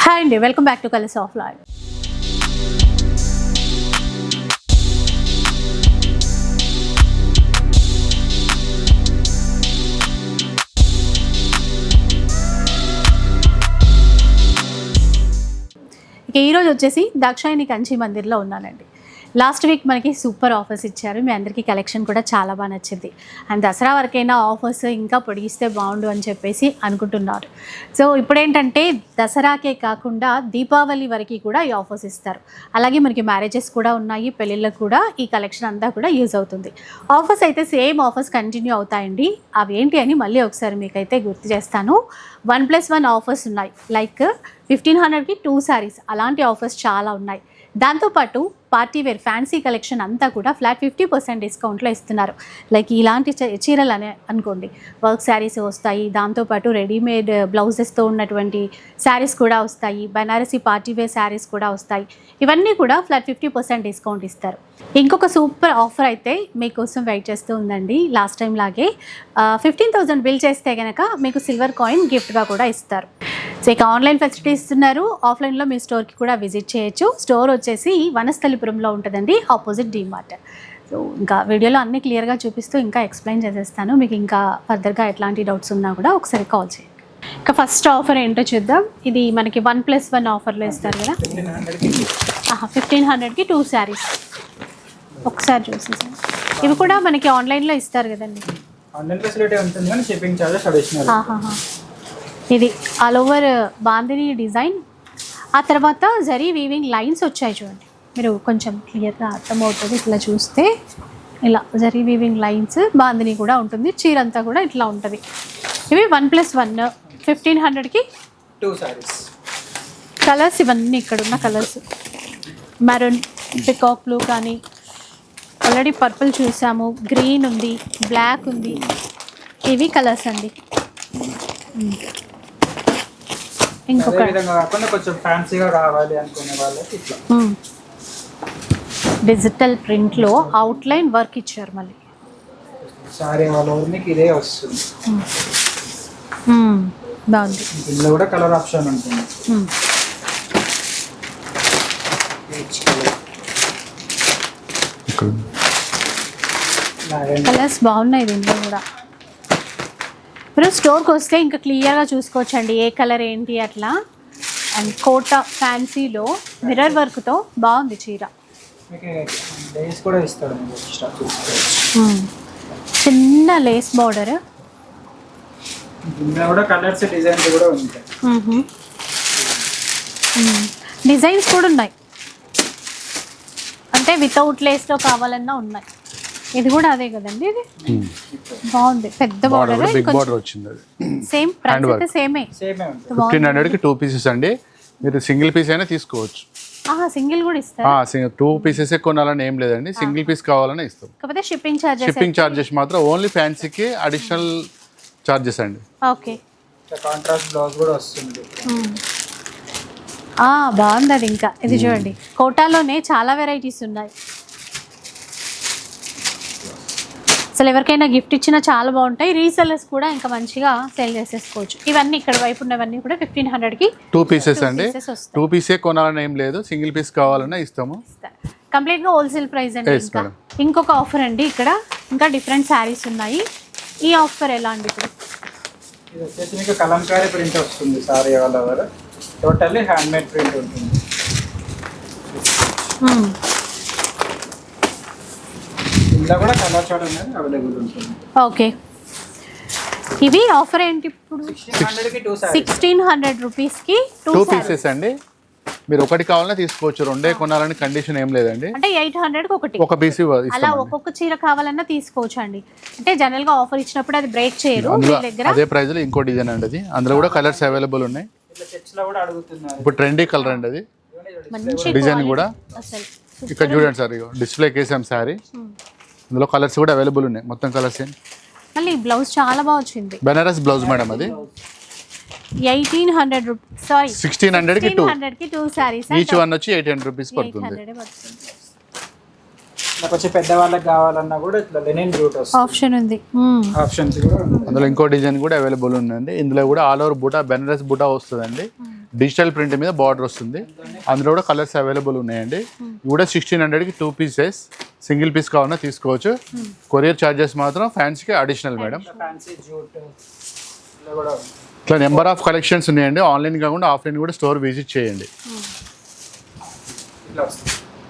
Hi అండి, welcome back to colours of life. ఇక ఈరోజు వచ్చేసి దాక్షాయిని కంచి మందిర్లో ఉన్నానండి. లాస్ట్ వీక్ మనకి సూపర్ ఆఫర్స్ ఇచ్చారు. మీ అందరికీ కలెక్షన్ కూడా చాలా బాగా నచ్చింది. అండ్ దసరా వరకైనా ఆఫర్స్ ఇంకా పొడిగిస్తే బాగుండు అని చెప్పేసి అనుకుంటున్నారు. సో ఇప్పుడేంటంటే దసరాకే కాకుండా దీపావళి వరకు కూడా ఈ ఆఫర్స్ ఇస్తారు. అలాగే మనకి మ్యారేజెస్ కూడా ఉన్నాయి, పెళ్ళిళ్ళకు కూడా ఈ కలెక్షన్ అంతా కూడా యూజ్ అవుతుంది. ఆఫర్స్ అయితే సేమ్ ఆఫర్స్ కంటిన్యూ అవుతాయండి. అవి ఏంటి అని మళ్ళీ ఒకసారి మీకైతే గుర్తు చేస్తాను. 1+1 ఆఫర్స్ ఉన్నాయి. లైక్ 1500కి 2 sarees, అలాంటి ఆఫర్స్ చాలా ఉన్నాయి. దాంతోపాటు పార్టీ వేర్ ఫ్యాన్సీ కలెక్షన్ అంతా కూడా ఫ్లాట్ 50% డిస్కౌంట్లో ఇస్తున్నారు. లైక్ ఇలాంటి చీరలు అనే అనుకోండి, వర్క్ శారీస్ వస్తాయి. దాంతోపాటు రెడీమేడ్ బ్లౌజెస్తో ఉన్నటువంటి శారీస్ కూడా వస్తాయి. బనారసీ పార్టీ వేర్ శారీస్ కూడా వస్తాయి. ఇవన్నీ కూడా ఫ్లాట్ 50% డిస్కౌంట్ ఇస్తారు. ఇంకొక సూపర్ ఆఫర్ అయితే మీకోసం వెయిట్ చేస్తూ ఉందండి. లాస్ట్ టైం లాగే 15,000 బిల్ చేస్తే కనుక మీకు సిల్వర్ కాయిన్ గిఫ్ట్గా కూడా ఇస్తారు. సో ఇక ఆన్లైన్ ఫెసిలిటీ ఇస్తున్నారు. ఆఫ్లైన్లో మీ స్టోర్కి కూడా విజిట్ చేయొచ్చు. స్టోర్ వచ్చేసి వనస్థలిపురంలో ఉంటుందండి, ఆపోజిట్ డీమార్ట్. సో ఇంకా వీడియోలో అన్నీ క్లియర్గా చూపిస్తూ ఇంకా ఎక్స్ప్లెయిన్ చేసేస్తాను. మీకు ఇంకా ఫర్దర్గా ఎట్లాంటి డౌట్స్ ఉన్నా కూడా ఒకసారి కాల్ చేయండి. ఇంకా ఫస్ట్ ఆఫర్ ఏంటో చూద్దాం. ఇది మనకి 1+1 ఆఫర్లో ఇస్తారు కదా. 1500కి 2 sarees. ఒకసారి చూసేసాం. ఇవి కూడా మనకి ఆన్లైన్లో ఇస్తారు కదండి. ఆన్లైన్ ఫెసిలిటీ ఉంటుంది కానీ షిప్పింగ్ చార్జెస్ అడిషనల్. ఇది ఆల్ ఓవర్ బాందిని డిజైన్. ఆ తర్వాత జరీ వీవింగ్ లైన్స్ వచ్చాయి చూడండి. మీరు కొంచెం క్లియర్గా అర్థమవుతుంది. ఇట్లా చూస్తే ఇలా జరీ వీవింగ్ లైన్స్, బాందిని కూడా ఉంటుంది. చీర అంతా కూడా ఇట్లా ఉంటుంది. ఇవి 1+1 1500కి 2 sarees. కలర్స్ ఇవన్నీ ఇక్కడ ఉన్న కలర్స్. మెరూన్, పికాక్ బ్లూ కానీ, ఆల్రెడీ పర్పుల్ చూసాము, గ్రీన్ ఉంది, బ్లాక్ ఉంది. ఇవి కలర్స్ అండి. ఇంకొక కొంచెం ఫ్యాన్సీగా రావాలి అనుకునే వాళ్ళకి ఇట్లా డిజిటల్ ప్రింట్లో అవుట్లైన్ వర్క్ ఇచ్చారు. మళ్ళీ సారీ ఆల్ ఓవర్ మీకు ఇదే వస్తుంది. బాగుంది. ఇందులో కూడా కలర్ ఆప్షన్ ఉంటుంది. కలర్స్ బాగున్నాయి దీంట్లో కూడా. మీరు స్టోర్కి వస్తే ఇంకా క్లియర్గా చూసుకోవచ్చండి ఏ కలర్ ఏంటి అట్లా. అండ్ కోట ఫ్యాన్సీలో మిర్రర్ వర్క్తో బాగుంది చీర. చిన్న లేస్ బార్డర్. డిజైన్స్ కూడా ఉన్నాయి, అంటే వితౌట్ లేస్లో కావాలన్నా ఉన్నాయి. ఇది కూడా అదే కదండి. ఇది బాగుంది, పెద్ద బార్డర్, బిగ్ బార్డర్ వచ్చింది. సేమ్ ప్రైస్ అయితే సేమే. 1500కి 2 pieces అండి. మీరు సింగిల్ పీస్ అయినా తీసుకోవచ్చు. సింగిల్ కూడా ఇస్తారు. 2 pieces కొనాలని ఏం లేదండి, సింగిల్ పీస్ కావాలని ఇస్తాం. కాకపోతే షిప్పింగ్ చార్జెస్ మాత్రం ఓన్లీ ఫ్యాన్సీకి అడిషనల్ చార్జెస్ అండి. ఓకే. కాంట్రాస్ట్ బ్లౌజ్ కూడా వస్తుంది. బాగుంది అది. ఇంకా ఇది చూడండి, కోటాలోనే చాలా వెరైటీస్ ఉన్నాయి. అసలు ఎవరికైనా గిఫ్ట్ ఇచ్చినా చాలా బాగుంటాయి. రీసెల్లర్స్ కూడా ఇంకా మంచిగా సేల్ చేసేసుకోవచ్చు. ఇవన్నీ ఇక్కడ వైపు ఉన్నవన్నీ కూడా 1500కి 2 pieces అండి. 2 pieces కొనాలని ఏం లేదు, సింగిల్ పీస్ కావాలన్నా ఇస్తాము. కంప్లీట్గా హోల్సేల్ ప్రైస్ అండి. ఇంకొక ఆఫర్ అండి, ఇక్కడ ఇంకా డిఫరెంట్ శారీస్ ఉన్నాయి. ఈ ఆఫర్ ఎలా అండి? ఇప్పుడు ఇది వచ్చేసి మీకు కలంకారీ ప్రింట్ వస్తుంది. Saree all over totally hand made print ఉంటుంది. ఇందులో కూడా కలర్ చార్ట్ అనేది అవైలబుల్ ఉంటుంది. ఓకే. ఇవి ఆఫర్ ఏంటి ఇప్పుడు? 1600 రూపీస్కి 2 pieces అండి. మీరు ఒకటి కావాలన్నా తీసుకోవచ్చు, రెండే కొనాలని కండిషన్ ఏం లేదండి. అంటే 800కి ఒక పీస్ అలా ఒక్కొక్క చీర కావాలన్నా తీసుకోవచ్చు అండి. అంటే జనరల్ గా ఆఫర్ ఇచ్చినప్పుడు అది బ్రేక్ చేయరు. అదే ప్రైస్ లో ఇంకో డిజైన్ అండి అది. అందులో కూడా కలర్స్ అవైలబుల్ ఉన్నాయి. ఇప్పుడు ట్రెండీ కలర్ అండి అది. డిజైన్ కూడా ఇక్కడ చూడండి సార్, డిస్ప్లే కేసాం సారీ. అందులో కలర్స్ కూడా అవైలబుల్ ఉన్నాయి. మొత్తం కలర్స్ మళ్ళీ బ్లౌజ్ చాలా బాగా వచ్చింది. బనారస్ బ్లౌజ్ మేడం అది. 1800 రూపీస్, సారీ 1600కి 2 sarees. ఈచ్ వన్ వచ్చి 800 రూపీస్ పడుతుంది. కొంచెం పెద్దవాళ్ళకి కావాలన్నా కూడా ఇట్లా లెనిన్ జూట్ వస్తుంది, ఆప్షన్ ఉంది. ఆప్షన్స్ కూడా ఉన్నాయి. అందులో ఇంకో డిజైన్ కూడా అవైలబుల్ ఉందండి. ఇందులో కూడా ఆల్ ఓవర్ బూటా బెనారస్ బూటా వస్తుందండి. డిజిటల్ ప్రింట్ మీద బార్డర్ వస్తుంది. అందులో కూడా కలర్స్ అవైలబుల్ ఉన్నాయండి. ఇవి కూడా 1600కి 2 పీసెస్, సింగిల్ పీస్ కావాలన్నా తీసుకోవచ్చు. కొరియర్ ఛార్జెస్ మాత్రం ఫ్యాన్స్కి అడిషనల్ మేడం. ఫ్యాన్సీ జూట్ ఇలా కూడా ఉంది. ఇట్లా నెంబర్ ఆఫ్ కలెక్షన్స్ ఉన్నాయండి. ఆన్లైన్ కాకుండా ఆఫ్లైన్ కూడా స్టోర్ విజిట్ చేయండి. ఇట్లా వస్తుంది.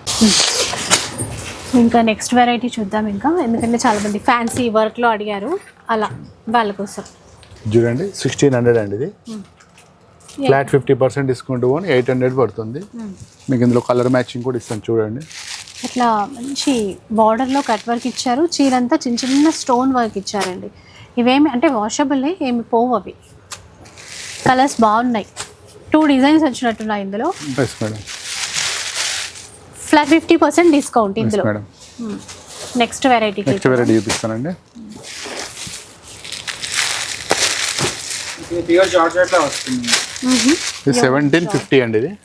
ఇంకా నెక్స్ట్ వెరైటీ చూద్దాం ఇంకా, ఎందుకంటే చాలా మంది ఫ్యాన్సీ వర్క్లో అడిగారు, అలా వాళ్ళ కోసం చూడండి 1600 అండి. ఇది ఫ్లాట్ 50% డిస్కౌంట్ పోని 800 పడుతుంది. మీకు ఇందులో కలర్ మ్యాచింగ్ కూడా ఇస్తాను చూడండి. ఇట్లా మంచి బార్డర్లో కట్ వర్క్ ఇచ్చారు, చీరంతా చిన్న చిన్న స్టోన్ వర్క్ ఇచ్చారండి. ఇవేమి అంటే వాషబుల్లే, ఏమి పోవు అవి. కలర్స్ బాగున్నాయి, 2 డిజైన్స్ వచ్చినట్టున్నాయి ఇందులో. Yes madam. ఫ్లాట్ 50% డిస్కౌంట్ ఇందులో. మేడం నెక్స్ట్ వెరైటీ చూపిస్తానండి. ఇది ప్యూర్ జార్జెట్ లా వస్తుంది. ఇది 1750 అండి. ఇది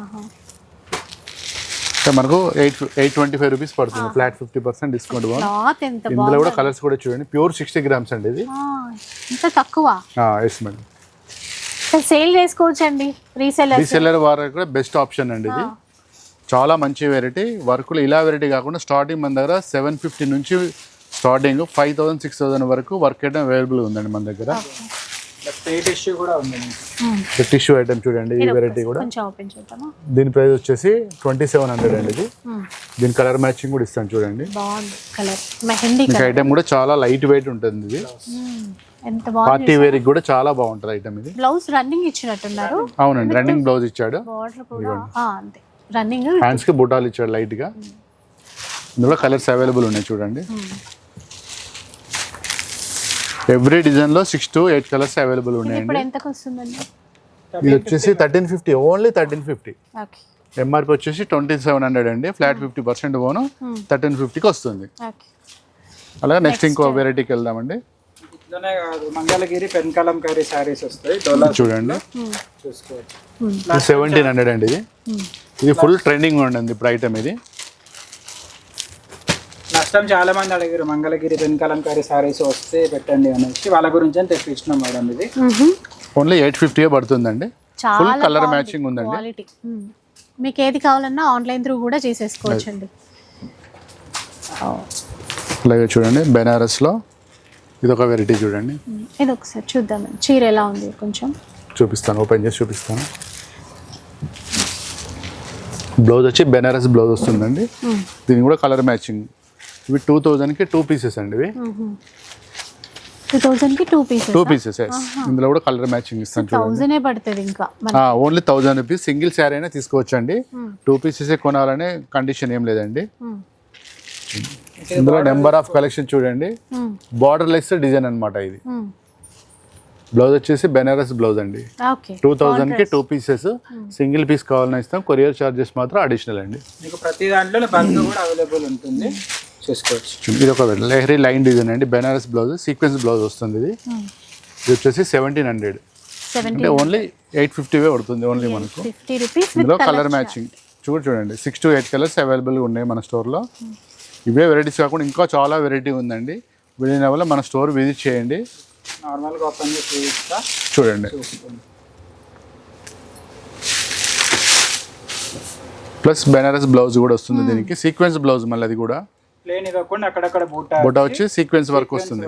మనకు 825 రూపీస్ పడుతుంది. Flat 50% discount. క్లాత్ ఎంత ఇందులో కూడా కలర్స్ కూడా చూడండి. ప్యూర్ 60 గ్రామ్స్ అండి ఇది. ఇంత తక్కువ. Yes madam. సేల్ చేసుకోవచ్చు అండి. రీసెల్లర్ వారికి కూడా బెస్ట్ ఆప్షన్ అండి ఇది. చాలా మంచి వెరైటీ. వర్కులు ఇలా వెరైటీ కాకుండా స్టార్టింగ్ మన దగ్గర 750 నుంచి స్టార్టింగ్ 5000 6000 వరకు వర్క్ ఐటమ్ అవైలబుల్ ఉందండి మన దగ్గర. టిష్యూ కూడా ఉంది. టిష్యూ ఐటమ్ చూడండి. ఈ వెరైటీ కూడా దీని ప్రైస్ వచ్చేసి 2700 అండి. ఇది దీని కలర్ మ్యాచింగ్ కూడా ఇస్తాను చూడండి. మీకు ఐటమ్ కూడా చాలా లైట్ వెయిట్ ఉంటుంది. ఇది పార్టీ వేర్ కూడా చాలా బాగుంటుంది ఐటమ్. ఇది బ్లౌజ్ రన్నింగ్ ఇచ్చినట్టున్నారు. అవునండి, రన్నింగ్ బ్లౌజ్ ఇచ్చాడు. రన్నింగ్ హ్యాండ్స్ కి బుటాలు ఇచ్చాడు లైట్ గా. ఇందులో కలర్స్ అవైలబుల్ ఉన్నాయి చూడండి. ఎవ్రీ డిజైన్ లో 6 to 8 కలర్స్ అవైలబుల్ ఉన్నాయండి. ఇప్పుడు ఎంతకు వస్తుందండి? ఇది వచ్చేసి 1350, ఓన్లీ 1350. ఓకే. ఎంఆర్పి వచ్చేసి 2700 అండి. ఫ్లాట్ 50% పోను 1350కి వస్తుంది. అలాగే నెక్స్ట్ ఇంకో వెరైటీకి వెళ్దామండి. ఇట్లానే కాదు, మంగళగిరి పెన్ కలంకారీ సారీస్ వస్తాయి. చూడండి చూసుకోవచ్చు. 1700 అండి. ఇది ఫుల్ ట్రెండింగ్ ఉండండి ఇప్పుడు ఐటమ్. ఇది లాస్ట్ టైం చాలా మంది అడిగారు మంగళగిరి పెన్ కలంకారీ సారీస్ వస్తే పెట్టండి అనేసి, వాళ్ళ గురించి అని తెప్పించినాం మేడం. ఇది ఓన్లీ 850 పడుతుందండి. ఫుల్ కలర్ మ్యాచింగ్ ఉందండి. మీకు ఏది కావాలన్నా ఆన్లైన్ త్రూ కూడా చేసేసుకోవచ్చు అండి. అలాగే చూడండి బెనారస్ లో ఇది ఒక వెరైటీ చూడండి. ఇది ఒకసారి చూద్దాం చీర ఎలా ఉంది కొంచెం చూపిస్తాను. ఓపెన్ చేసి చూపిస్తాను. బ్లౌజ్ వచ్చి బెనారస్ బ్లౌజ్ వస్తుందండి. దీని కూడా కలర్ మ్యాచింగ్. ఇవి 2000కి 2 పీసెస్ అండి. ఇవి 2000కి 2 పీసెస్. ఇందులో కూడా కలర్ మ్యాచింగ్ ఇస్తాను చూడండి. 1000 పడుతుంది. ఇంకా ఓన్లీ 1000 రూపీస్. సింగిల్ శారీ అయినా తీసుకోవచ్చు అండి. 2 పీసెస్ కొనాలనే కండిషన్ ఏం లేదండి. ఇందులో నెంబర్ ఆఫ్ కలెక్షన్ చూడండి. బార్డర్ లెస్ డిజైన్ అన్నమాట. ఇది బ్లౌజ్ వచ్చేసి బెనారస్ బ్లౌజ్ అండి. 2000కి 2 పీసెస్. సింగిల్ పీస్ కావాలని ఇస్తాం. కొరియర్ చార్జెస్ మాత్రం అడిషనల్ అండి. మీకు ప్రతి దాంట్లో బంక్ కూడా అవైలబుల్ ఉంటుంది, చూసుకోవచ్చు. ఇది ఒక లెహరీ లైన్ డిజైన్ అండి. బెనారస్ బ్లౌజ్ సీక్వెన్స్ బ్లౌజ్ వస్తుంది. ఇది వచ్చేసి 1700 అంటే ఓన్లీ 850 పడుతుంది ఓన్లీ మనకు. ఇందులో కలర్ మ్యాచింగ్ చూడండి. 6 to 8 కలర్స్ అవైలబుల్గా ఉన్నాయి మన స్టోర్లో. ఇవే వెరైటీస్ కాకుండా ఇంకా చాలా వెరైటీ ఉందండి. వెళ్ళిన వల్ల మన స్టోర్ విజిట్ చేయండి. నార్మల్గా ఓపెన్ చేసి చూడండి. ప్లస్ బెనారస్ బ్లౌజ్ కూడా వస్తుంది. దీనికి సీక్వెన్స్ బ్లౌజ్ మళ్ళీ అది కూడా ప్లేన్ ఇవ్వకుండా అక్కడక్కడ బూటా వచ్చి సీక్వెన్స్ వర్క్ వస్తుంది.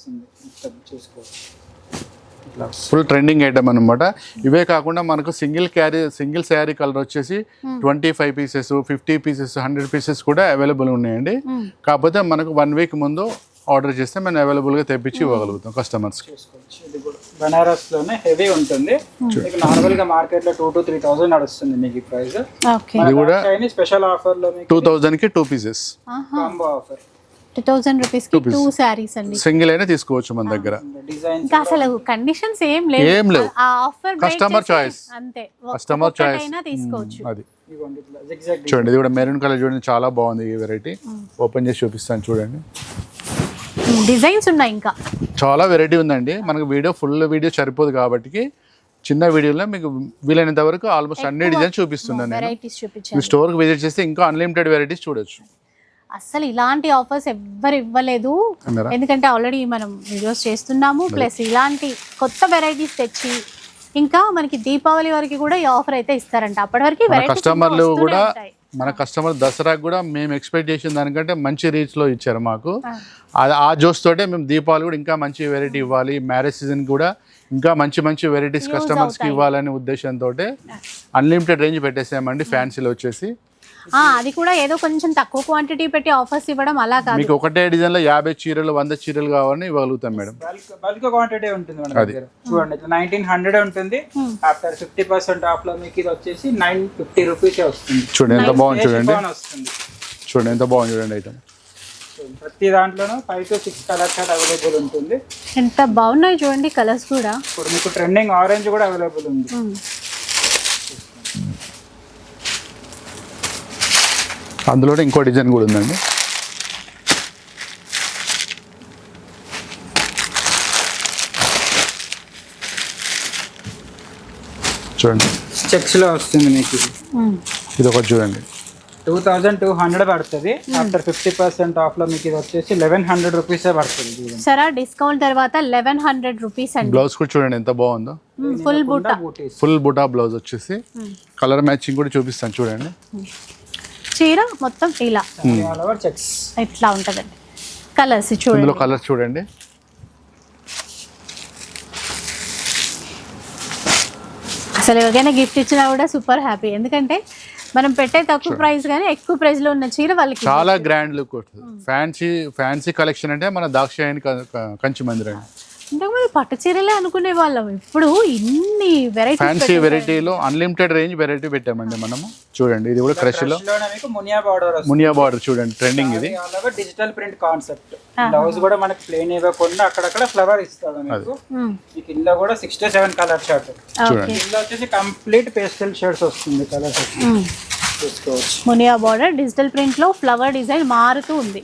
ఫుల్ ట్రెండింగ్ ఐటమ్ అనమాట. ఇవే కాకుండా మనకు సింగిల్ శారీ కలర్ వచ్చేసి 25 పీసెస్ 50 పీసెస్ 100 పీసెస్ కూడా అవైలబుల్ ఉన్నాయండి. కాకపోతే మనకు 1 వీక్ ముందు ఆర్డర్ చేస్తే మనం అవైలబుల్గా తెప్పించి ఇవ్వగలుగుతాం కస్టమర్స్కి. బనారస్ లోనే హెవీ ఉంటుంది. నార్మల్ గా మార్కెట్ లో 2,000 to 3,000 నడుస్తుంది మీకు ఈ ప్రైస్. ఇది కూడా స్పెషల్ ఆఫర్ లో 2000కి 2 పీసెస్ కాంబో ఆఫర్. 2000 రూపీస్ కి 2 సారీస్ అండి. సింగిల్ అయినా తీసుకోవచ్చు మన దగ్గర. ఇంకా అసలు కండిషన్స్ ఏం లేవు. ఆ ఆఫర్ కస్టమర్ చాయిస్ అంతే. కస్టమర్ చాయిస్ అయినా తీసుకోవచ్చు. అది చూడండి. ఇది కూడా మెరూన్ కలర్ చూడండి, చాలా బాగుంది ఈ వెరైటీ. ఓపెన్ చేసి చూపిస్తాను చూడండి. డిజైన్స్ ఉన్నాయి, ఇంకా చాలా వెరైటీ ఉందండి. మనకు ఫుల్ వీడియో సరిపోదు కాబట్టి చిన్న వీడియోలో మీకు వీలైనంత వరకు ఆల్మోస్ట్ అన్ని డిజైన్స్ చూపిస్తున్నాను. వెరైటీస్ చూపించాను. స్టోర్కి విజిట్ చేస్తే ఇంకా అన్లిమిటెడ్ వెరైటీస్ చూడొచ్చు. అస్సలు ఇలాంటి ఆఫర్స్ ఎవ్వరు ఇవ్వలేదు. అన్నారా? ఎందుకంటే ఆల్రెడీ మనం వీడియోస్ చేస్తున్నాము, ప్లస్ ఇలాంటి కొత్త వెరైటీస్ తెచ్చి ఇంకా మనకి దీపావళి వరకు కూడా ఈ ఆఫర్ అయితే ఇస్తారంట. అప్పటి వరకు కస్టమర్లు కూడా మన కస్టమర్ దసరాకు కూడా మేము ఎక్స్పెక్ట్ చేసిన దానికంటే మంచి రీచ్ లో ఇచ్చారు మాకు. ఆ జోస్ తోటే మేము దీపావళి కూడా ఇంకా మంచి వెరైటీ ఇవ్వాలి, మ్యారేజ్ సీజన్ కూడా ఇంకా మంచి మంచి వెరైటీస్ కస్టమర్స్ కి ఇవ్వాలనే ఉద్దేశంతో అన్లిమిటెడ్ రేంజ్ పెట్టేసామండి ఫ్యాన్సీలో వచ్చేసి. అది కూడా ఏదో కొంచెం తక్కువ క్వాంటిటీ పెట్టి ఆఫర్స్ ఇవ్వడం అలా కాదు. మీకు ఒకటే డిజైన్ లో 50 చీరలు 100 చీరలు కావాలని ఇవ్వగలుగుతాం మేడం. బల్క్ క్వాంటిటీ ఉంటుంది మన దగ్గర. చూడండి ఇట్లా 1900 ఉంటుంది. ఆఫ్టర్ 50% ఆఫ్ లో మీకు ఇది వచ్చేసి 950 రూపీస్ వస్తుంది. చూడండి ఎంత బాగుంది, చూడండి వస్తుంది. చూడండి ఎంత బాగుంది, చూడండి ఐటమ్. ప్రతి దాంట్లోనూ 5 to 6 కలర్స్ అవైలబుల్ ఉంటుంది. ఎంత బాగున్నాయి చూడండి కలర్స్ కూడా. ఇప్పుడు మీకు ట్రెండింగ్ ఆరెంజ్ కూడా అవైలబుల్ ఉంది. అందులోనే ఇంకో డిజైన్ కూడా ఉందండి. చూడండి చెక్స్ లో వస్తుంది మీకు ఇది ఒకటి చూడండి. 2200 పడుతుంది. ఆఫ్టర్ 50% ఆఫ్ లో మీకు ఇది వచ్చేసి 1100 రూపీస్ పడుతుంది. సరే డిస్కౌంట్ తర్వాత 1100 రూపీస్ అండి. బ్లౌజ్ కూడా చూడండి ఎంత బాగుందో, ఫుల్ బూటా, ఫుల్ బూటా బ్లౌజ్ వచ్చేసి కలర్ మ్యాచింగ్ కూడా చూపిస్తాను చూడండి. చీర మొత్తం ఇలా చెక్స్ ఇట్లా ఉంటదండి. కలర్స్ చూడండి, ఇందులో కలర్స్ చూడండి. అసలు ఎవరికైనా గిఫ్ట్ ఇచ్చినా కూడా సూపర్ హ్యాపీ. ఎందుకంటే మనం పెట్టే తక్కువ ప్రైస్ కానీ ఎక్కువ ప్రైస్ లో ఉన్న చీర వాళ్ళకి చాలా గ్రాండ్ లుక్ వస్తుంది. ఫ్యాన్సీ కలెక్షన్ అంటే మన దాక్షాయణి కంచి మందిరం. ఇంతకుముందు పట్టు చీరలే అనుకునే వాళ్ళం, ఇప్పుడు ఇన్ని వెరైటీ ఫ్యాన్సీ వెరైటీలో అన్లిమిటెడ్ రేంజ్ వెరైటీ పెట్టామండి మనము. చూడండి ఇది కూడా క్రష్ లో మునియా బార్డర్ చూడండి, ట్రెండింగ్ ఇది. Digital print concept. బ్లౌజ్ కూడా మనకి ప్లేన్ ఇవ్వకుండా అక్కడక్కడ ఫ్లవర్ ఇస్తాడు మీకు. ఈ కింద కూడా 6 to 7 కలర్ షార్ట్. చూడండి కింద వచ్చేసి కంప్లీట్ పేస్టల్ షేడ్స్ వస్తుంది. కలర్స్ చూసుకోవచ్చు. మునియా బార్డర్ డిజిటల్ ప్రింట్ లో ఫ్లవర్ డిజైన్ మారుతూ ఉంది.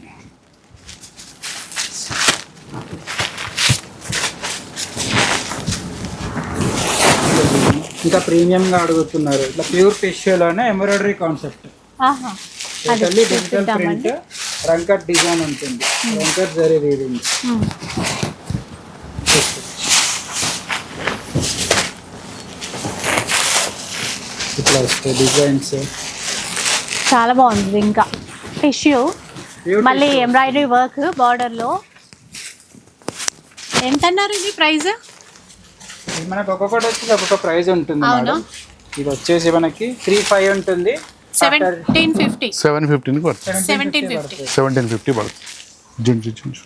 ఇంకా ప్రీమియం గా అడుగుతున్నారు. ఇట్లా ప్యూర్ టిష్యూలోనే embroidery concept. Digital print Rangkat design ఉంటుంది. రంకట్ జరీ వీవింగ్. ఇట్లా వస్తాయి డిజైన్స్. చాలా బాగుంది. ఇంకా టిష్యూ మళ్ళీ ఎంబ్రాయిడరీ వర్క్ బార్డర్ లో. ఎంత అన్నారు ఇది ప్రైస్? మనకు ఒక్కొక్కటి వచ్చి ఒక్కొక్క ప్రైస్ ఉంటుంది మేడం. ఇది వచ్చేసి మనకి 35 ఉంటుంది. 1750 750 పడుతుంది. 1750 పడుతుంది.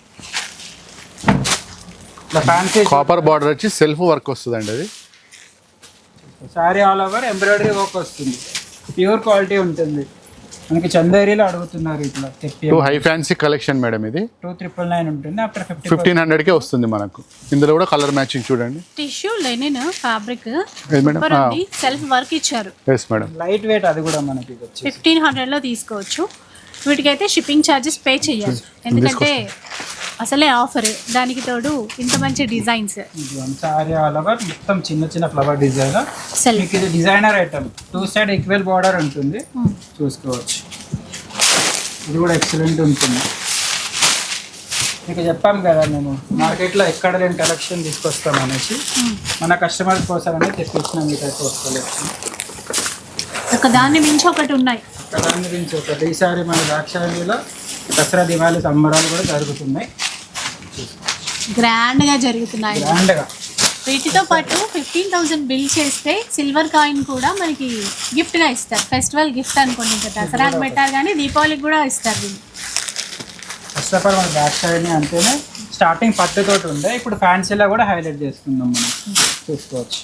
ఫ్యాన్సీ కాపర్ బార్డర్ వచ్చి సెల్ఫ్ వర్క్ వస్తుందండి. అది saree all over embroidery work వస్తుంది. ప్యూర్ క్వాలిటీ ఉంటుంది. మనకి చందేరీలో అడుగుతున్నారు. ఇట్లా హై ఫ్యాన్సీ కలెక్షన్ మేడం. ఇది 2999 ఉంటుంది. ఆఫ్టర్ 1500కే వస్తుంది మనకు. ఇందులో కూడా కలర్ మ్యాచింగ్ చూడండి. Tissue linen fabric madam, self work ఇచ్చారు. Yes madam. Light weight. అది కూడా మనకి 1500 లో తీసుకోవచ్చు. వీటికైతే షిప్పింగ్ ఛార్జెస్ పే చేయాలి. ఎందుకంటే అసలే ఆఫర్, దానికి తోడు ఇంత మంచి డిజైన్స్. సారీ ఆల్ ఓవర్ మొత్తం చిన్న చిన్న ఫ్లవర్ డిజైన్. మీకు ఇది designer item. 2 side equal border ఉంటుంది. చూసుకోవచ్చు. ఇది కూడా ఎక్సలెంట్ ఉంటుంది. మీకు చెప్పాం కదా మేము మార్కెట్లో ఎక్కడ లేని కలెక్షన్ తీసుకొస్తాం అనేసి. మన కస్టమర్ కోసం అనేది తెప్పించిన మీ టైప్ ఆఫ్ కలెక్షన్. ఒక దాన్ని మించి ఒకటి ఉన్నాయి. దాని గురించి ఒకటి. ఈసారి మన ద్రాక్షాయణిలో దసరా దివాళీ సంబరాలు కూడా జరుగుతున్నాయి. గ్రాండ్ గా జరుగుతున్నాయి. గ్రాండ్గా. వీటితో పాటు 15,000 బిల్ చేస్తే సిల్వర్ కాయిన్ కూడా మనకి గిఫ్ట్ గా ఇస్తారు. ఫెస్టివల్ గిఫ్ట్ అనుకోండి. ఇంకా దసరాకి పెట్టారు కానీ దీపావళికి కూడా ఇస్తారు వీళ్ళు. ఫస్ట్ ఆఫ్ ఆల్ మన ద్రాక్షాయణి అంటేనే స్టార్టింగ్ పట్టుతోటి ఉండే. ఇప్పుడు ఫ్యాన్సీలో కూడా హైలైట్ చేస్తున్నాం మనం. చూసుకోవచ్చు.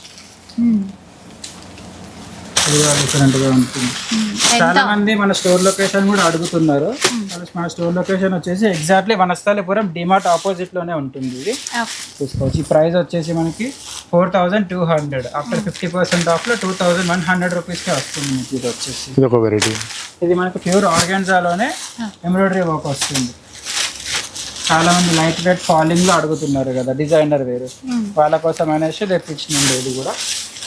ఇది కూడా డిఫరెంట్గా ఉంటుంది. చాలా మంది మన స్టోర్ లొకేషన్ కూడా అడుగుతున్నారు. మన స్టోర్ లొకేషన్ వచ్చేసి ఎగ్జాక్ట్లీ వనస్థలిపురం డిమార్ట్ ఆపోజిట్ లోనే ఉంటుంది. ఇది చూసుకోవచ్చు. ఈ ప్రైస్ వచ్చేసి మనకి 4200. ఆఫ్టర్ 50% ఆఫ్ లో 2100 రూపీస్కే వస్తుంది మీకు. ఇది వచ్చేసి ఇది ఒక వెరైటీ. ఇది మనకు ప్యూర్ ఆర్గాన్జాలోనే ఎంబ్రాయిడరీ వర్క్ వస్తుంది. చాలా మంది లైట్ వెయిట్ ఫాలింగ్ లో అడుగుతున్నారు కదా డిజైనర్ వేరు. వాళ్ళ కోసం అనేసి తెప్పించినండి. ఇది కూడా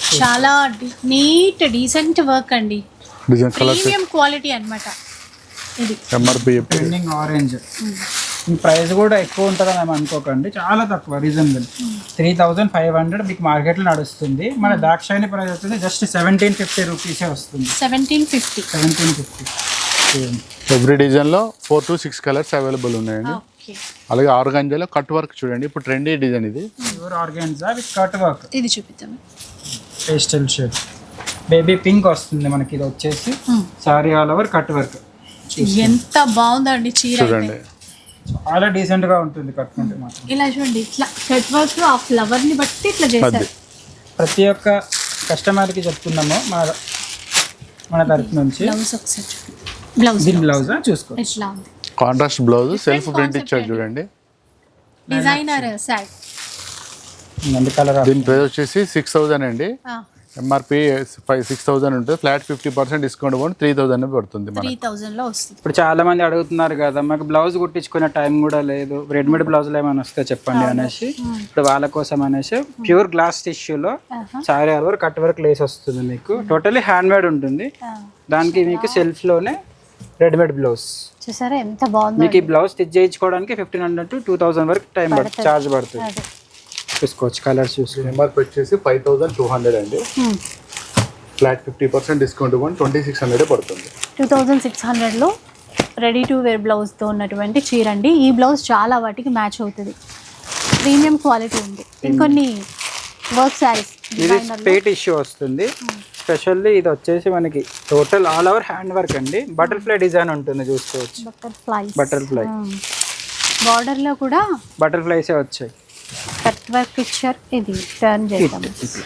చాలా నీట్ డీసెంట్ వర్క్ అండి. డిజైన్ కలర్స్ ప్రీమియం క్వాలిటీ అన్నమాట. ఇది ఎంఆర్పి ట్రెండింగ్ ఆరెంజ్. ఈ ప్రైస్ కూడా ఎక్కువ ఉంటుందని ఏమి అనుకోకండి, చాలా తక్కువ, రీజనబుల్. 3500 మీకు మార్కెట్లో నడుస్తుంది. మన దాక్షాయణి ప్రైస్ వస్తుంది జస్ట్ 1750 రూపీసే వస్తుంది. 1750. 1750. ఎవ్రీ డిజైన్లో 4 to 6 కలర్స్ అవైలబుల్ ఉన్నాయండి. ఓకే, అలాగే ఆర్గాంజాలో కట్ వర్క్ చూడండి, ఇప్పుడు ట్రెండీ డిజైన్ ఇది. Pure organza with cut work, ఇది చూపిద్దాం. పేస్టల్ షేడ్ బేబీ పింక్ వస్తుంది మనకి. ఇది వచ్చేసి saree all over cut work. ఎంత బాగుందండి చీర అయితే. చూడండి చాలా డీసెంట్ గా ఉంటుంది కట్టుకుంటే మాత్రం. ఇలా చూడండి, ఇట్లా కట్ వర్క్ ఆ ఫ్లవర్ ని బట్టి ఇట్లా చేశారు. ప్రతి ఒక్క కస్టమర్ కి చెప్తున్నాము మన తరఫు నుంచి. బ్లౌజ్ ఒకసారి బ్లౌజ్ దీని బ్లౌజ్ చూసుకోండి, ఎట్లా ఉంది. కాంట్రాస్ట్ బ్లౌజ్ సెల్ఫ్ ప్రింట్ ఇచ్చారు చూడండి. డిజైనర్ సారీ. కలర్ దీని ప్రైస్ వచ్చేసి 6000 అండి. ఎంఆర్పి 6000 ఉంటుంది. ఫ్లాట్ 50% డిస్కౌంట్ పోయి 3000 పడుతుంది మనకి. 3000 లో వస్తుంది. ఇప్పుడు చాలా మంది అడుగుతున్నారు కదా, మాకు బ్లౌజ్ కుట్టించుకునే టైం కూడా లేదు, రెడీమేడ్ బ్లౌజులు ఏమైనా వస్తే చెప్పండి అనేసి. ఇప్పుడు వాళ్ళ కోసం అనేసి ప్యూర్ గ్లాస్ టిష్యూలో saree all over cut work lace వస్తుంది మీకు. టోటలీ హ్యాండ్ మేడ్ ఉంటుంది. దానికి మీకు సెల్ఫ్ లోనే రెడీమేడ్ బ్లౌజ్. చూసారా ఎంత బాగుంది. మీకు ఈ బ్లౌజ్ స్టిచ్ చేయించుకోవడానికి 1500 to 2000 వరకు టైం పడుతుంది, చార్జ్ పడుతుంది. చూసుకోవచ్చు కలర్స్ చూసి. ఎంఆర్పి వచ్చేసి 5200 అండి. ఫ్లాట్ 50% డిస్కౌంట్ పోయి 2600 పడుతుంది. 2600 లో రెడీ టు వేర్ బ్లౌజ్ తో ఉన్నటువంటి చీర అండి. ఈ బ్లౌజ్ చాలా వాటికి మ్యాచ్ అవుతుంది. ప్రీమియం క్వాలిటీ ఉంది. ఇంకొన్ని వర్క్ శారీస్ ఇది స్పేట్ ఇష్యూ వస్తుంది. స్పెషల్లీ ఇది వచ్చేసి మనకి total all over hand work అండి. బటర్ఫ్లై డిజైన్ ఉంటుంది, చూసుకోవచ్చు. బటర్ఫ్లై బార్డర్ లో కూడా బటర్ఫ్లైసే వచ్చాయి. కట్ వర్క్ ఇచ్చారు. ఇది టర్న్ చేద్దాం.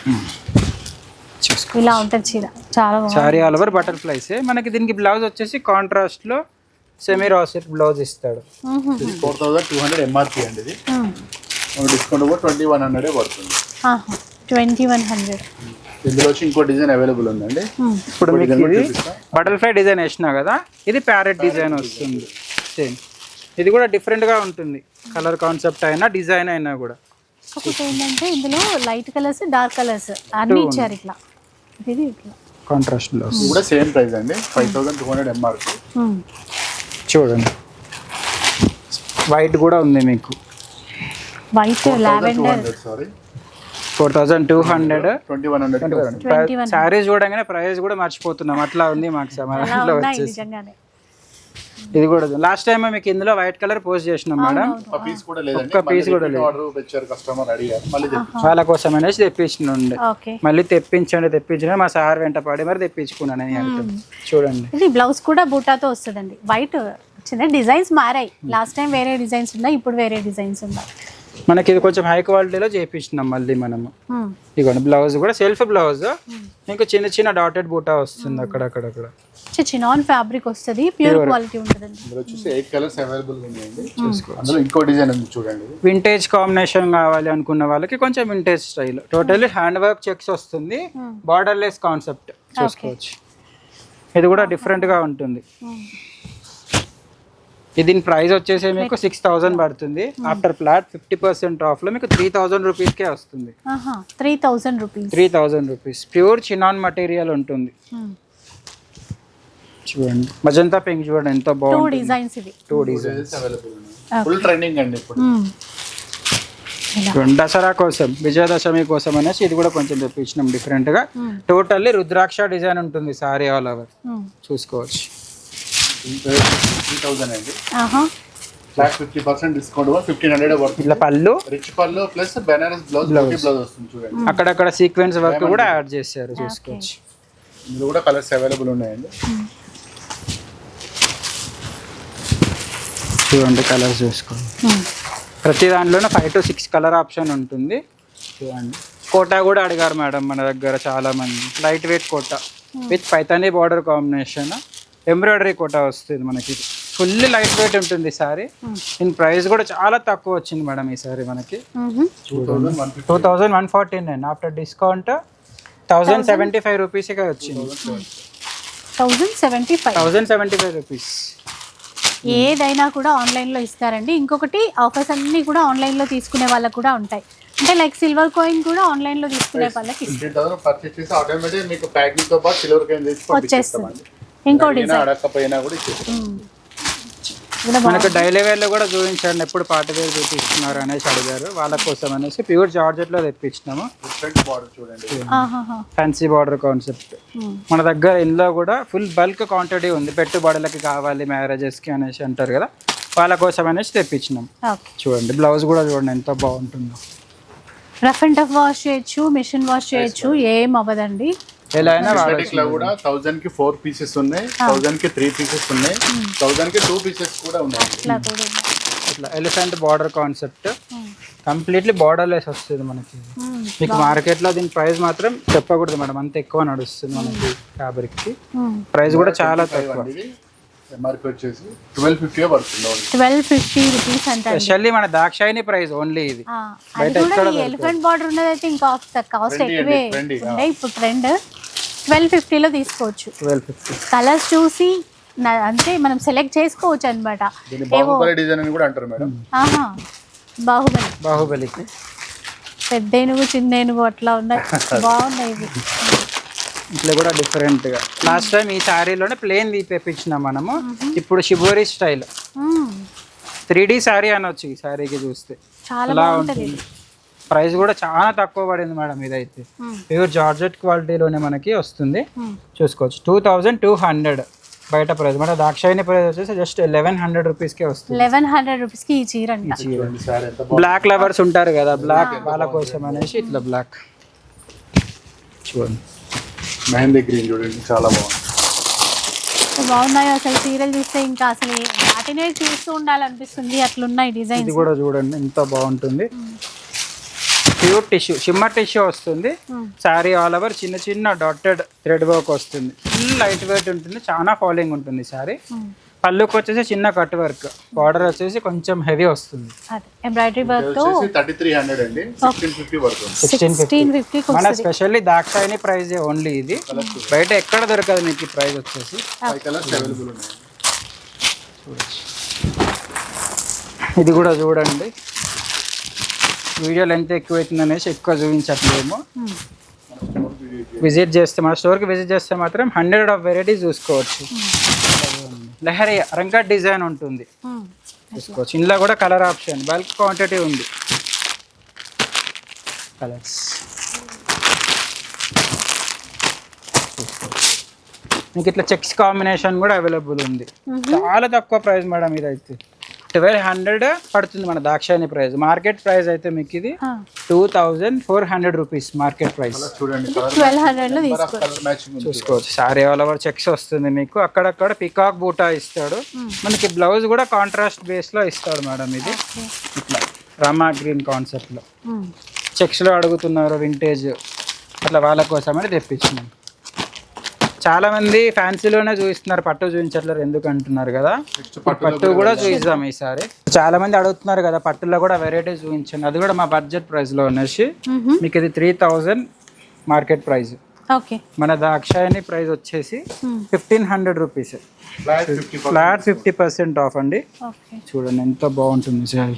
ఇలా ఉంటుంది చీర, చాలా బాగుంది. సారీ ఆల్ ఓవర్ బటర్ఫ్లైసే. మనకి దీనికి బ్లౌజ్ వచ్చేసి కాంట్రాస్ట్ లో సెమీ రాసెట్ బ్లౌజ్ ఇస్తాడు. 4200 ఎంఆర్పి అండి. ఇది డిస్కౌంట్ పోయి 2100 పడుతుంది. 2100. ఇందులో వచ్చి ఇంకో డిజైన్ అవైలబుల్ ఉందండి. ఇప్పుడు మీకు ఇది బటర్ఫ్లై డిజైన్ వేసినా కదా, ఇది ప్యారెట్ డిజైన్ వస్తుంది సేమ్. ఇది కూడా డిఫరెంట్ గా ఉంటుంది, కలర్ కాన్సెప్ట్ అయినా డిజైన్ అయినా కూడా. ఒకటి ఏంటంటే ఇందులో లైట్ కలర్స్ డార్క్ కలర్స్ అన్ని ఇచ్చారు. ఇట్లా ఇది ఇట్లా కాంట్రాస్ట్ బ్లౌజ్ కూడా సేమ్ ప్రైస్ అండి. 5200 ఎంఆర్పి. చూడండి వైట్ కూడా ఉంది మీకు. White lavender. సారీ 4200. 2100. శారీస్ చూడగానే ప్రైస్ కూడా మర్చిపోతున్నాం, అట్లా ఉంది మాకు సమాధానంలో వచ్చేసి. నిజంగానే ఇది కూడా లాస్ట్ టైం మీకు ఇందులో వైట్ కలర్ పోస్ట్ చేసినాం మేడం. ఒక పీస్ కూడా లేదండి. ఒక్క పీస్ కూడా లేదు. ఆర్డర్ పెట్టారు కస్టమర్ అడిగారు, మళ్ళీ వాళ్ళ కోసం అనేసి తెప్పించండి. ఓకే, మళ్ళీ తెప్పించండి మా సార్ వెంట పడి మరి తెప్పించుకున్నాను అని అంటుంది. చూడండి ఇది బ్లౌజ్ కూడా బూటాతో వస్తుందండి. వైట్ చిన్న డిజైన్స్ మారాయి. లాస్ట్ టైం వేరే డిజైన్స్ ఉన్నాయి, ఇప్పుడు వేరే డిజైన్స్ ఉన్నాయి. మనకి ఇది కొంచెం హై క్వాలిటీలో చేయించినాం మళ్ళీ మనము. ఇదిగోండి బ్లౌజ్ కూడా సెల్ఫ్ బ్లౌజ్, మీకు చిన్న చిన్న డాటెడ్ బూటా వస్తుంది అక్కడక్కడ. చినాన్ ఫ్యాబ్రిక్ వస్తుంది, ప్యూర్ క్వాలిటీ ఉంటుందండి. ఇందులో వచ్చేసి 8 కలర్స్ అవైలబుల్ ఉన్నాయండి. అందులో ఇంకో డిజైన్ ఉంది చూడండి. వింటేజ్ కాంబినేషన్ కావాలి అనుకున్న వాళ్ళకి కొంచెం vintage style, totally hand work checks వస్తుంది, బార్డర్ లెస్ కాన్సెప్ట్ చూసుకోవచ్చు. ఇది కూడా డిఫరెంట్ గా ఉంటుంది. దీని ప్రైస్ వచ్చేసి మీకు 6000 పడుతుంది. ఆఫ్టర్ ఫ్లాట్ 50% ఆఫ్ లో మీకు 3000 రూపీస్కే వస్తుంది. 3000 రూపీస్ ప్యూర్ చినాన్ మెటీరియల్ ఉంటుంది. చూడండి మజంతా పింక్ చూడండి ఎంత బాగుంది. 2 డిజైన్స్ అవైలబుల్ ఉన్నాయి. ఫుల్ ట్రెండింగ్ అండి ఇప్పుడు. దసరా కోసం, విజయదశమి కోసం అనేసి ఇది కూడా కొంచెం తెప్పించినాం డిఫరెంట్ గా. టోటల్లీ రుద్రాక్ష డిజైన్ ఉంటుంది సారీ ఆల్ ఓవర్, చూసుకోవచ్చు. 3000 అండి. ఫ్లాట్ 50% డిస్కౌంట్ 1500 పడుతుంది. ఇట్లా పళ్ళు, రిచ్ పళ్ళు ప్లస్ బెనారస్ బ్లౌజ్ వస్తుంది చూడండి. అక్కడక్కడ సీక్వెన్స్ వర్క్ కూడా యాడ్ చేశారు, చూసుకోవచ్చు. ఇందులో కూడా కలర్స్ అవైలబుల్ ఉన్నాయండి. చూడండి కలర్స్ చూసుకోండి. ప్రతి దాంట్లోనే 5 to 6 కలర్ ఆప్షన్ ఉంటుంది. చూడండి కోటా కూడా అడిగారు మేడం మన దగ్గర చాలా మంది. Light weight Kota with Paithani border combination, embroidery Kota వస్తుంది మనకి. ఫుల్లీ లైట్ వెయిట్ ఉంటుంది సారీ. దీని ప్రైస్ కూడా చాలా తక్కువ వచ్చింది మేడం ఈ సారీ మనకి. 2149 ఆఫ్టర్ డిస్కౌంట్ 1075 రూపీస్గా వచ్చింది. 1075 రూపీస్. ఏదైనా కూడా ఆన్లైన్లో ఇస్తారండి. ఇంకొకటి ఆఫర్స్ అన్నీ కూడా ఆన్లైన్లో తీసుకునే వాళ్ళకు కూడా ఉంటాయి. అంటే లైక్ సిల్వర్ కాయిన్ కూడా ఆన్లైన్లో తీసుకునే వాళ్ళకి పర్చేస్ చేసి ఆటోమేటిక్ మీకు ప్యాకింగ్ తో పాటు సిల్వర్ కాయిన్ వచ్చేస్తుంది. ఇంకో డిజైన్ అడగకపోయినా కూడా ఇచ్చేస్తాం. మనకు డైలీ వేర్ లో కూడా చూపించండి, ఎప్పుడు పార్టీ వేర్ చూపిస్తున్నారు అనేసి అడిగారు, వాళ్ళ కోసం అనేసి ప్యూర్ జార్జెట్ లో తెప్పించినాము. బార్డర్ చూడండి, ఫ్యాన్సీ బార్డర్ కాన్సెప్ట్. మన దగ్గర ఇందులో కూడా ఫుల్ బల్క్ క్వాంటిటీ ఉంది, పెట్టుబడులకి కావాలి మ్యారేజెస్ కి అనేసి అంటారు కదా, వాళ్ళ కోసం అనేసి తెప్పించినాం. చూడండి బ్లౌజ్ కూడా చూడండి ఎంత బాగుంటుందో. రఫ్ అండ్ టఫ్ వాష్ చేయొచ్చు, మిషన్ వాష్ చేయొచ్చు, ఏం అవ్వదండి. ఎలా అయినా ఇట్లా కూడా 1000 కి 4 పీసెస్ ఉన్నాయి, 1000 కి 3 పీసెస్ ఉన్నాయి, 1000 కి 2 పీసెస్ కూడా ఉన్నాయి. ఇట్లా elephant border concept, completely borderless వస్తుంది మనకి. మీకు మార్కెట్ లో దీని ప్రైస్ మాత్రం చెప్పకూడదు మేడం, అంత ఎక్కువ నడుస్తుంది మనకి ఫ్యాబ్రిక్ కి. ప్రైస్ కూడా చాలా తక్కువ. ఎంఆర్పి వచ్చేసి 1250 పడుతుంది. 1250 రూపీస్ అంటే స్పెషల్లీ మన దాక్షాయిని ప్రైస్ ఓన్లీ ఇది. అది కూడా ఈ ఎలిఫెంట్ బార్డర్ ఉన్నది అయితే ఇంకా కాస్ట్ ఎక్కువే ఉండే. ఇప్పుడు ట్రెండ్ 1250 లో తీసుకోవచ్చు. 1250 కలర్స్ చూసి అంటే మనం సెలెక్ట్ చేసుకోవచ్చు అన్నమాట. బాహుబలి డిజైన్ అని కూడా అంటారు మేడం. బాహుబలి పెద్ద ఏనుగు చిన్న ఏనుగు అట్లా ఉన్నాయి, బాగున్నాయి ఇవి. ఇట్లా కూడా డిఫరెంట్ గా లాస్ట్ టైం ఈ శారీలోనే ప్లేన్ తెప్పించినాం మనము. ఇప్పుడు షిబోరి స్టైల్ 3D శారీ అనొచ్చు ఈ శారీకి చూస్తే. చాలా బాగుంటుంది. ప్రైస్ కూడా చాలా తక్కువ పడింది మేడం, ఇదైతే ప్యూర్ జార్జెట్ క్వాలిటీలోనే మనకి వస్తుంది. చూసుకోవచ్చు 2200 బయట ప్రైస్. మన దాక్షాయిని ప్రైస్ వచ్చేసి జస్ట్ 1100 రూపీస్కే వస్తుంది. 1100 రూపీస్కి ఈ చీర అంట. బ్లాక్ లవర్స్ ఉంటారు కదా, బ్లాక్ వాళ్ళ కోసం అనేసి ఇట్లా బ్లాక్ చూడండి. మెహందీ గ్రీన్ చూడండి చాలా బాగుంది. బాగున్నాయి అసలు చీరలు చూస్తే ఇంకా అసలు వాటినే చూస్తూ ఉండాలనిపిస్తుంది, అట్లున్నాయి డిజైన్. ఇది కూడా చూడండి ఎంత బాగుంటుంది. ప్యూర్ టిష్యూ, షిమ్మర్ టిష్యూ వస్తుంది. శారీ ఆల్ ఓవర్ చిన్న చిన్న డాటెడ్ థ్రెడ్ వర్క్ వస్తుంది. ఫుల్ లైట్ వెయిట్ ఉంటుంది, చాలా ఫాలింగ్ ఉంటుంది శారీ. పళ్ళుకి వచ్చేసి చిన్న కట్ వర్క్, బార్డర్ వచ్చేసి కొంచెం హెవీ వస్తుంది. ఎంబ్రాయిడరీ వర్క్ తో 3300 అండి, 1650 పడుతుంది. 1650 మన స్పెషల్లీ దాక్షాయిని ప్రైస్ ఓన్లీ ఇది, బయట ఎక్కడ దొరకదు మీకు ఈ ప్రైస్ వచ్చేసి. 5 కలర్స్ అవైలబుల్ ఉన్నాయి. ఇది కూడా చూడండి, వీడియో లెంత్ ఎక్కువ అవుతుంది అనేసి ఎక్కువ చూపించట్లేము. విజిట్ చేస్తే మన స్టోర్కి విజిట్ చేస్తే మాత్రం 100 ఆఫ్ వెరైటీస్ చూసుకోవచ్చు. లహరి రంగట్ డిజైన్ ఉంటుంది చూసుకోవచ్చు. ఇందులో కూడా కలర్ ఆప్షన్ బల్క్ క్వాంటిటీ ఉంది. కలర్స్ మీకు ఇట్లా చెక్స్ కాంబినేషన్ కూడా అవైలబుల్ ఉంది. చాలా తక్కువ ప్రైస్ మేడం, ఇదైతే 1200 పడుతుంది మన దాక్షాయిని ప్రైస్. మార్కెట్ ప్రైస్ అయితే మీకు ఇది 2400 రూపీస్ మార్కెట్ ప్రైస్. చూడండి 1200 లో చూసుకోవచ్చు. సారీ ఆల్ ఓవర్ చెక్స్ వస్తుంది మీకు, అక్కడక్కడ పికాక్ బూటా ఇస్తాడు. మనకి బ్లౌజ్ కూడా కాంట్రాస్ట్ బేస్ లో ఇస్తాడు మేడం. ఇది ఇట్లా రామా గ్రీన్ కాన్సెప్ట్ లో చెక్స్ లో అడుగుతున్నారు వింటేజ్, అట్లా వాళ్ళ కోసమని తెప్పించినాం. చాలా మంది ఫ్యాన్సీలోనే చూపిస్తున్నారు, పట్టు చూపించట్లేరు ఎందుకు అంటున్నారు కదా. పట్టు కూడా చూపిద్దాం ఈసారి. చాలా మంది అడుగుతున్నారు కదా పట్టులో కూడా వెరైటీ చూపించండి, అది కూడా మా బడ్జెట్ ప్రైస్ లో అనేసి. మీకు ఇది 3000 మార్కెట్ ప్రైస్. మన దాక్షాయిని ప్రైస్ వచ్చేసి 1500 రూపీస్. ఫ్లాట్ 50% ఆఫ్ అండి. చూడండి ఎంత బాగుంటుంది సారీ.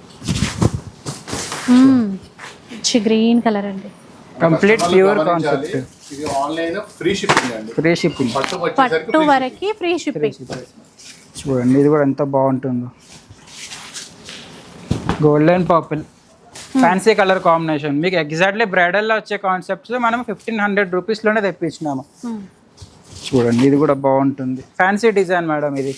గ్రీన్ కలర్ అండి, కంప్లీట్ ప్యూర్ కాన్సెప్ట్. ఇది ఆన్లైన్ ఫ్రీ షిప్పింగ్ అండి, ఫ్రీ షిప్పింగ్. పట్టు వరకు ఫ్రీ షిప్పింగ్. చూడండి ఇది కూడా ఎంత బాగుంటుందో. Golden purple fancy colour combination. మీకు ఎగ్జాక్ట్లీ బ్రైడల్లో వచ్చే కాన్సెప్ట్స్ మనం 1500 రూపీస్లోనే తెప్పించినాము. చూడండి ఇది కూడా బాగుంటుంది, ఫ్యాన్సీ డిజైన్ మేడం ఇది.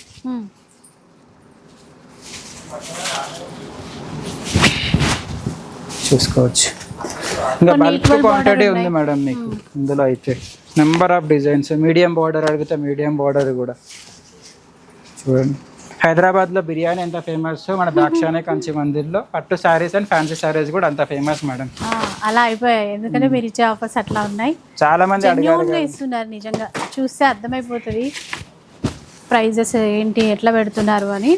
చూసుకోవచ్చు. ఇంకా బల్క్ క్వాంటిటీ ఉంది మేడం మీకు ఇందులో అయితే. Number of designs, medium border అడిగితే మీడియం బార్డర్ కూడా చూడండి. హైదరాబాద్లో బిర్యానీ ఎంత ఫేమస్, మన దాక్షాయిని కంచి మందిర్లో పట్టు శారీస్ అండ్ ఫ్యాన్సీ శారీస్ కూడా అంత ఫేమస్ మేడం. అలా అయిపోయాయి, ఎందుకంటే మీరు ఇచ్చే ఆఫర్స్ అట్లా ఉన్నాయి. చాలా మంది అడిగారు, ఇస్తున్నారు. నిజంగా చూస్తే అర్థమైపోతుంది ప్రైజెస్ ఏంటి, ఎట్లా పెడుతున్నారు అని.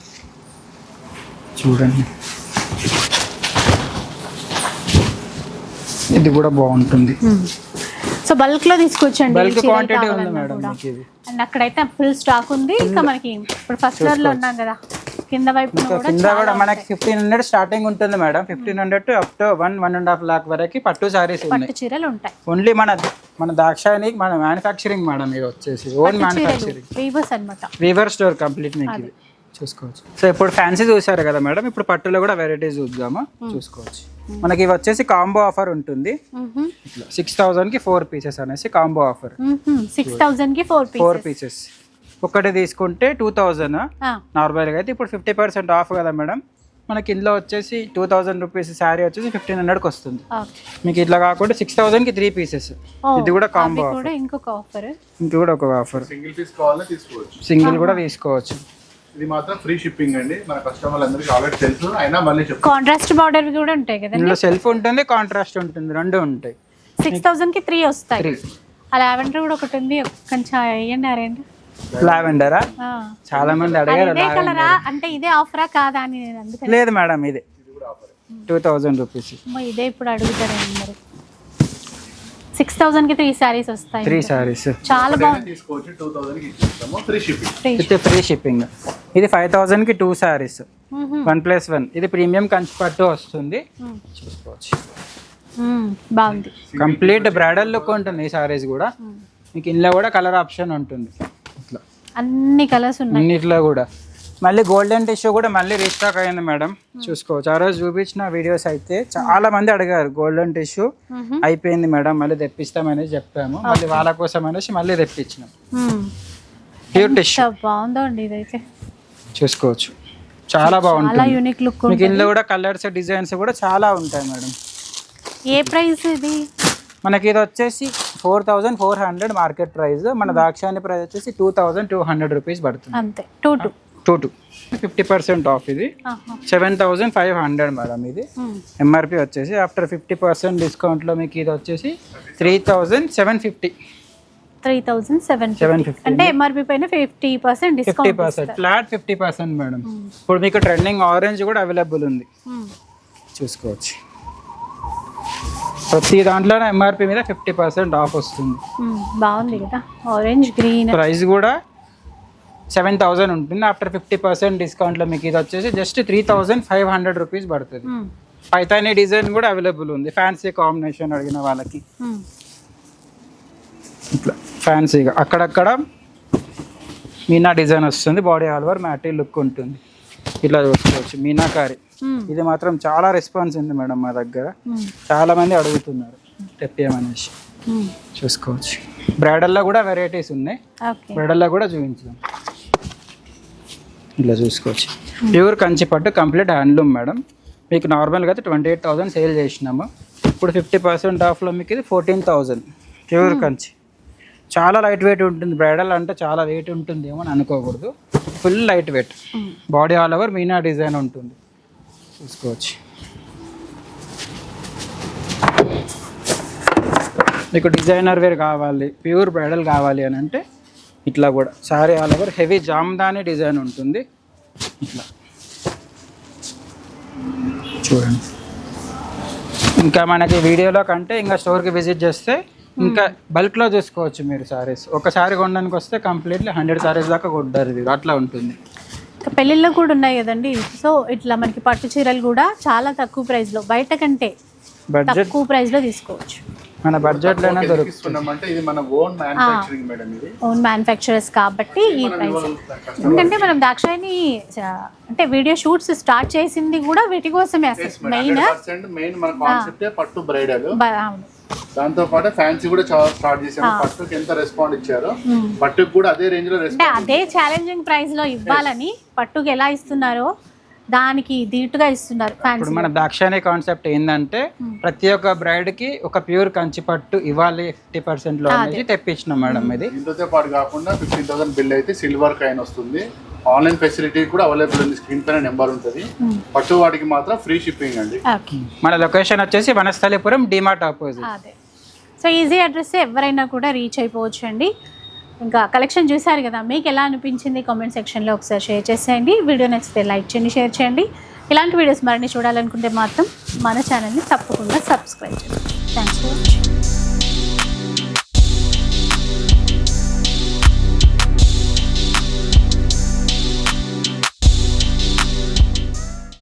చూడండి ఇది కూడా బాగుంటుంది. సో బల్క్ లో తీసుకొచ్చండి, బల్క్ క్వాంటిటీ ఉంది మేడం మీకు ఇది. అండ్ అక్కడైతే ఫుల్ స్టాక్ ఉంది. ఇంకా మనకి ఇప్పుడు ఫస్ట్ ఫ్లోర్ లో ఉన్నాం కదా, కింద వైపు కింద కూడా మనకి 1500 స్టార్టింగ్ ఉంటుంది madam. 1500 to up to 1.5 lakh వరకు పట్టు సారీస్ ఉన్నాయి, పట్టు చీరలు ఉంటాయి. ఓన్లీ మన దాక్షాయిని మన మ్యానుఫ్యాక్చరింగ్ మేడం. ఇది వచ్చేసి ఓన్ మ్యానుఫ్యాక్చరింగ్, వీవర్స్ అన్నమాట. వీవర్ స్టోర్ కంప్లీట్ మీకు ఇది. చూసుకోవచ్చు. సో ఇప్పుడు ఫ్యాన్సీ చూసారు కదా మేడం, ఇప్పుడు పట్టులో కూడా వెరైటీస్ చూద్దాము. చూసుకోవచ్చు. మనకి ఇవి వచ్చేసి కాంబో ఆఫర్ ఉంటుంది. ఇట్లా 6,000కి 4 పీసెస్ అనేసి కాంబో ఆఫర్. 6,000కి 4 పీసెస్ ఒకటి తీసుకుంటే 2,000. నార్మల్గా అయితే ఇప్పుడు 50% ఆఫ్ కదా మేడం, మనకి ఇందులో వచ్చేసి 2,000 రూపీస్ శారీ వచ్చేసి 1,500కి వస్తుంది. మీకు ఇట్లా కాకుండా 6,000కి 3 పీసెస్. ఇది కూడా కాంబో ఆఫర్. ఇంకొక ఆఫర్, ఇంకొక ఒక ఆఫర్. సింగిల్ పీస్ కావాలని తీసుకోవచ్చు, సింగిల్ కూడా తీసుకోవచ్చు. ఇది మాత్రం ఫ్రీ షిప్పింగ్ అండి, మన కస్టమర్లు అందరికీ ఆల్రెడీ తెలుసు, అయినా మళ్ళీ చెప్తాను. కాంట్రాస్ట్ బార్డర్ కూడా ఉంటాయి కదా ఇందులో సెల్ఫ్ ఉంటుంది, కాంట్రాస్ట్ ఉంటుంది, రెండు ఉంటాయి. 6,000కి 3 వస్తాయి. ఆ లావెండర్ కూడా ఒకటి ఉంది, కొంచెం వేయండి. అరేండి లావెండరా, చాలా మంది అడిగారు. ఇదే కలరా అంటే ఇదే ఆఫరా కాదా అని నేను అందుకని. లేదు మేడం, ఇదే 2,000 రూపీస్. ఇదే ఇప్పుడు అడుగుతారు అందరు. 6,000కి 3 సారీస్ వస్తాయి. 3 సారీస్ చాలా బాగుంది. తీసుకోవచ్చు. 2,000కి ఇచ్చేస్తాము, free shipping. With free shipping. ఇది 5,000కి 2 సారీస్, 1+1. ఇది ప్రీమియం కంచి పట్టు వస్తుంది. చూసుకోవచ్చు. బాగుంది. కంప్లీట్ బ్రైడల్ లుక్ ఉంటుంది ఈ సారీస్ కూడా. మీకు ఇందులో కూడా కలర్ ఆప్షన్ ఉంటుంది. ఇట్లా అన్ని కలర్స్ ఉన్నాయి అన్నిట్లో కూడా. మళ్ళీ గోల్డెన్ టిష్యూ కూడా మళ్ళీ రీస్టాక్ అయింది మేడం. చూసుకోవచ్చు. ఆ రోజు చూపించిన వీడియోస్ అయితే చాలా మంది అడిగారు, గోల్డెన్ టిష్యూ అయిపోయింది మేడం, మళ్ళీ తెప్పిస్తామని చెప్పాము. మళ్ళీ వాళ్ళ కోసం అనేసి మళ్ళీ తెప్పించినాం. ప్యూర్ టిష్యూ బాగుందో అండి ఇదైతే. చూసుకోవచ్చు. చాలా బాగుంటుంది. Unique look. మీకు ఇందులో కూడా కలర్స్ డిజైన్స్ కూడా చాలా ఉంటాయి మేడం. ఏ ప్రైస్ ఇది? మనకి ఇది వచ్చేసి 4,400 మార్కెట్ ప్రైస్. మన దాక్షాయణి ప్రైస్ వచ్చేసి 2,200 రూపీస్ పడుతుంది అంతే. 2 50% ఆఫ్. ఇది 7,500 మేడం. ఇది ఎంఆర్పి వచ్చేసి ఆఫ్టర్ 50% డిస్కౌంట్లో మీకు ఇది వచ్చేసి 3,750. 3,750 అంటే ఎంఆర్పి పైన 50% డిస్కౌంట్. 50% flat 50% madam. ఇప్పుడు మీకు ట్రెండింగ్ ఆరెంజ్ కూడా అవైలబుల్ ఉంది. చూసుకోవచ్చు. ప్రతి దాంట్లో ఎంఆర్పి మీద 50% ఆఫ్ వస్తుంది. బాగుంది కదా, ఆరెంజ్ గ్రీన్. ప్రైస్ కూడా 7,000 ఉంటుంది. ఆఫ్టర్ 50% డిస్కౌంట్లో మీకు ఇది వచ్చేసి జస్ట్ 3,500 రూపీస్ పడుతుంది. పైతానీ డిజైన్ కూడా అవైలబుల్ ఉంది, ఫ్యాన్సీ కాంబినేషన్ అడిగిన వాళ్ళకి. ఇట్లా ఫ్యాన్సీగా అక్కడక్కడ మీనా డిజైన్ వస్తుంది. Body all over matty look ఉంటుంది. ఇట్లా చూసుకోవచ్చు. మీనాకారి ఇది మాత్రం చాలా రెస్పాన్స్ ఉంది మేడం మా దగ్గర. చాలా మంది అడుగుతున్నారు తెప్పియమనేసి. చూసుకోవచ్చు. బ్రైడల్లో కూడా వెరైటీస్ ఉన్నాయి. బ్రైడల్లో కూడా చూపించాం. ఇలా చూసుకోవచ్చు. ప్యూర్ కంచి పట్టు కంప్లీట్ హ్యాండ్లూమ్ మేడం. మీకు నార్మల్గా అయితే 28,000 సేల్ చేసినాము. ఇప్పుడు 50% ఆఫ్లో మీకు ఇది 14,000. ప్యూర్ కంచి. చాలా లైట్ వెయిట్ ఉంటుంది. బ్రైడల్ అంటే చాలా వెయిట్ ఉంటుంది ఏమో అని అనుకోకూడదు. Full light weight. Body all over Meena design ఉంటుంది. చూసుకోవచ్చు. మీకు డిజైనర్ వేర్ కావాలి, ప్యూర్ బ్రైడల్ కావాలి అని అంటే ఇట్లా కూడా saree all over heavy Jamdani design ఉంటుంది. ఇట్లా చూడండి. ఇంకా మనకి వీడియోలో కంటే ఇంకా స్టోర్కి విజిట్ చేస్తే ఇంకా బల్క్లో చూసుకోవచ్చు మీరు సారీస్. ఒక సారీ కొనడానికి వస్తే కంప్లీట్లీ 100 సారీస్ దాకా కొట్టారు. ఇది అట్లా ఉంటుంది. పెళ్ళిళ్ళు కూడా ఉన్నాయి కదండి. సో ఇట్లా మనకి పట్టు చీరలు కూడా చాలా తక్కువ ప్రైస్లో, బయట కంటే తక్కువ ప్రైస్లో తీసుకోవచ్చు. మన బడ్జెట్లోనే దొరుకుతుందంటే ఇది మన ఓన్ మ్యానుఫ్యాక్చరింగ్ మేడం. ఇది ఓన్ మ్యానుఫ్యాక్చరర్స్ కాబట్టి ఈ ప్రైస్. ఎందుకంటే మనం దాక్షాయణి అంటే వీడియో షూట్స్ స్టార్ట్ చేసింది కూడా వీటి కోసమే. అసలు మెయిన్ మన కాన్సెప్టే పట్టు బ్రైడల్. దాంతో పాటు ఫ్యాన్సీ కూడా స్టార్ట్ చేసాము. పట్టుకి ఎంత రెస్పాండ్ ఇచ్చారో పట్టుకు కూడా అదే రేంజ్ లో రెస్పాండ్. అదే ఛాలెంజింగ్ ప్రైస్ లో ఇవ్వాలని పట్టుకు ఎలా ఇస్తున్నారో దానికి దీటుగా ఇస్తున్నారు. ఇప్పుడు మన దాక్షాయణి కాన్సెప్ట్ ఏంటంటే ప్రతి ఒక్క బ్రైడ్ కి ఒక ప్యూర్ కంచి పట్టు ఇవ్వాలి 50% లో అనేది తెప్పించినాం మేడం. ఇది ఇందుతో పాటు కాకుండా 15,000 బిల్ అయితే సిల్వర్ కాయిన్ వస్తుంది. ఆన్లైన్ ఫెసిలిటీ కూడా అవైలబుల్ ఉంది. స్క్రీన్ పైన నెంబర్ ఉంటుంది. పట్టు వాటికి మాత్రం ఫ్రీ షిప్పింగ్ అండి. మన లొకేషన్ వచ్చేసి Vanasthalipuram DMart opposite. So easy address, ఎవరైనా కూడా రీచ్ అయిపోవచ్చు అండి. ఇంకా కలెక్షన్ చూసారు కదా, మీకు ఎలా అనిపించింది కామెంట్ సెక్షన్లో ఒకసారి షేర్ చేసేయండి. వీడియో నచ్చితే లైక్ చేయండి, షేర్ చేయండి. ఇలాంటి వీడియోస్ మరిన్ని చూడాలనుకుంటే మాత్రం మన ఛానల్ని తప్పకుండా సబ్స్క్రైబ్ చేయండి. Thanks for watching.